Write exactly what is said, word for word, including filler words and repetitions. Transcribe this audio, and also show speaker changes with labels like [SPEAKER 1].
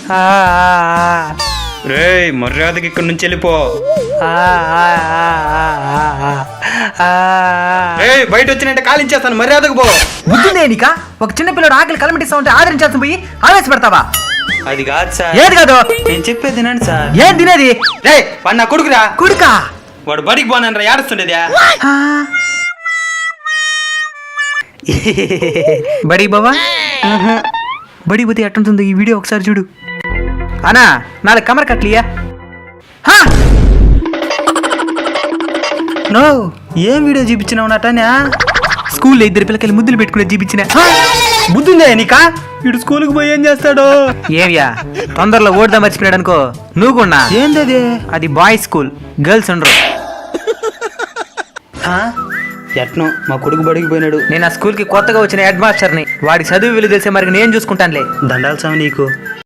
[SPEAKER 1] రే మర్యాదకి ఇక్కడి నుంచి వెళ్ళిపో. బయట వచ్చినంటే కాలించేస్తాను, మర్యాదకు పో.
[SPEAKER 2] బుద్ధిందే నీకా? ఒక చిన్న పిల్లడు ఆకలి కలమటిస్తా ఉంటే ఆదరించాల్సి పోయి ఆవేశపడతావా?
[SPEAKER 1] అది కాదు సార్.
[SPEAKER 2] ఏది కాదు?
[SPEAKER 1] నేను చెప్పేది తినండి సార్.
[SPEAKER 2] ఏం తినేది?
[SPEAKER 1] రే వాడు నా కొడుకురా.
[SPEAKER 2] కొడుకా?
[SPEAKER 1] వాడు బడికి పోనరా, ఏడుస్తుండేదా?
[SPEAKER 2] బడి బావా? బడి పోతే ఎట్టుంటుందో ఈ వీడియో ఒకసారి చూడు. అనా నాలుగు కమర కట్లియా? నో, ఏం వీడియో చూపించినావు నాటనా? స్కూల్లో ఇద్దరు పిల్లకాయలు ముద్దులు పెట్టుకునే చూపించిన. బుద్ధుందే నీకా? వీడు స్కూల్కి పోయి ఏం చేస్తాడు? ఏమియా తొందరలో ఓడదా మర్చిపోయాడు అనుకో. నువ్వు కూడా ఏందది? అది బాయ్స్ స్కూల్, గర్ల్స్ ఉండరు.
[SPEAKER 1] ఎట్నో మా కొడుకు బడికి పోయినాడు.
[SPEAKER 2] నేను ఆ స్కూల్ కి కొత్తగా వచ్చిన హెడ్ మాస్టర్ని. వాడి చదువు విలువ తెలిసే మరి నేను చూసుకుంటానులే.
[SPEAKER 1] దండాలు సామి నీకు.